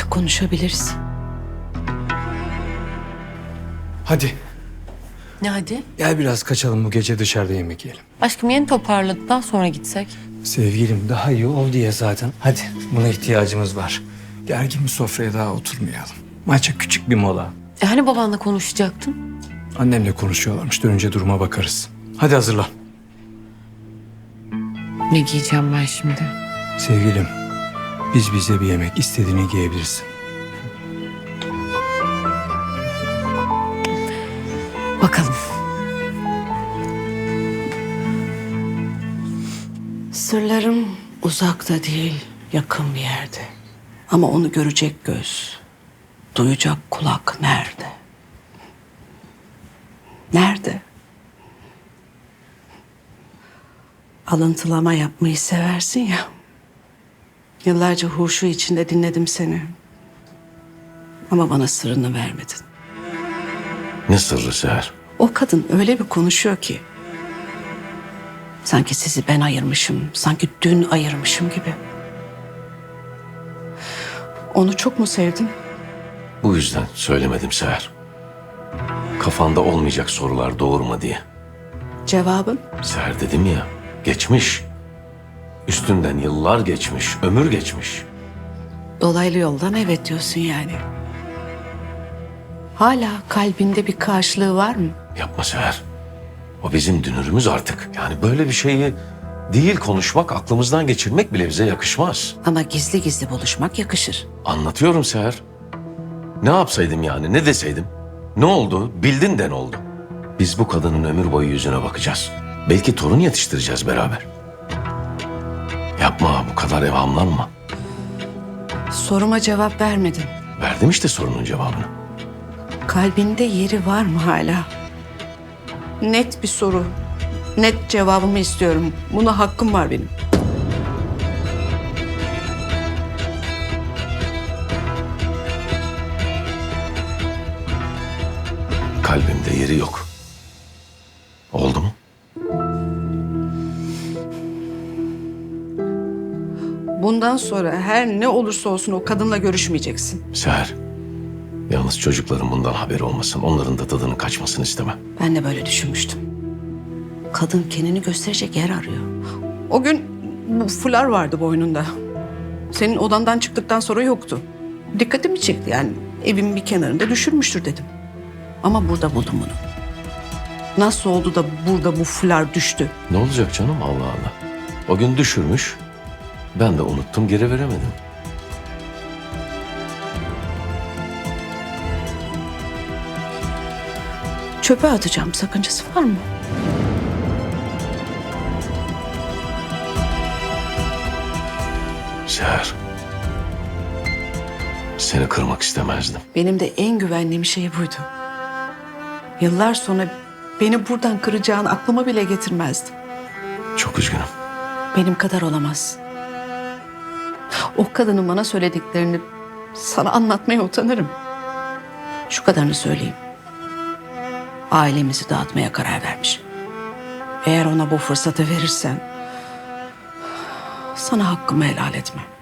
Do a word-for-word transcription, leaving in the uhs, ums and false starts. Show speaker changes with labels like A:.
A: konuşabiliriz.
B: Hadi
C: Ne hadi?
B: gel biraz kaçalım, bu gece dışarıda yemek yiyelim.
C: Aşkım yeni toparladık, daha sonra gitsek.
B: Sevgilim daha iyi ol diye zaten. Hadi, buna ihtiyacımız var. Gergin bir sofraya daha oturmayalım. Maça küçük bir mola.
C: E hani babanla konuşacaktın?
B: Annemle konuşuyorlarmış, dönünce duruma bakarız. Hadi hazırlan.
C: Ne giyeceğim ben şimdi?
B: Sevgilim, biz bize bir yemek, istediğini giyebilirsin.
C: Bakalım.
A: Sırlarım uzakta değil, yakın bir yerde. Ama onu görecek göz, duyacak kulak nerede? Nerede? Alıntılama yapmayı seversin ya. Yıllarca huşu içinde dinledim seni. Ama bana sırrını vermedin.
D: Ne sırrı Seher?
A: O kadın öyle bir konuşuyor ki. Sanki sizi ben ayırmışım, sanki dün ayırmışım gibi. Onu çok mu sevdin?
D: Bu yüzden söylemedim Seher. Kafanda olmayacak sorular doğurma diye.
A: Cevabın?
D: Seher dedim ya, geçmiş. Üstünden yıllar geçmiş, ömür geçmiş.
A: Dolaylı yoldan evet diyorsun yani. Hala kalbinde bir karşılığı var mı?
D: Yapma Seher. O bizim dünürümüz artık. Yani böyle bir şeyi değil konuşmak, aklımızdan geçirmek bile bize yakışmaz.
A: Ama gizli gizli buluşmak yakışır.
D: Anlatıyorum Seher. Ne yapsaydım yani, ne deseydim? Ne oldu? Bildin de ne oldu? Biz bu kadının ömür boyu yüzüne bakacağız. Belki torun yetiştireceğiz beraber. Yapma, bu kadar evhamlanma.
A: Soruma cevap vermedin.
D: Verdim işte sorunun cevabını.
A: Kalbinde yeri var mı hala? Net bir soru. Net cevabımı istiyorum. Buna hakkım var benim.
D: Kalbimde yeri yok. Oldu mu?
A: Bundan sonra her ne olursa olsun o kadınla görüşmeyeceksin.
D: Seher, yalnız çocukların bundan haberi olmasın. Onların da tadının kaçmasını istemem.
A: Ben de böyle düşünmüştüm. Kadın kendini gösterecek yer arıyor. O gün bu fular vardı boynunda. Senin odandan çıktıktan sonra yoktu. Dikkatimi çekti yani. Evin bir kenarında düşürmüştür dedim. Ama burada buldum bunu. Nasıl oldu da burada bu fular düştü?
D: Ne olacak canım, Allah Allah. O gün düşürmüş. Ben de unuttum, geri veremedim.
A: Çöpe atacağım, sakıncası var mı?
D: Seher, seni kırmak istemezdim.
A: Benim de en güvendiğim şey buydu. Yıllar sonra beni buradan kıracağını aklıma bile getirmezdim.
D: Çok üzgünüm.
A: Benim kadar olamaz. O kadının bana söylediklerini sana anlatmaya utanırım. Şu kadarını söyleyeyim. Ailemizi dağıtmaya karar vermiş. Eğer ona bu fırsatı verirsen sana hakkımı helal etmem.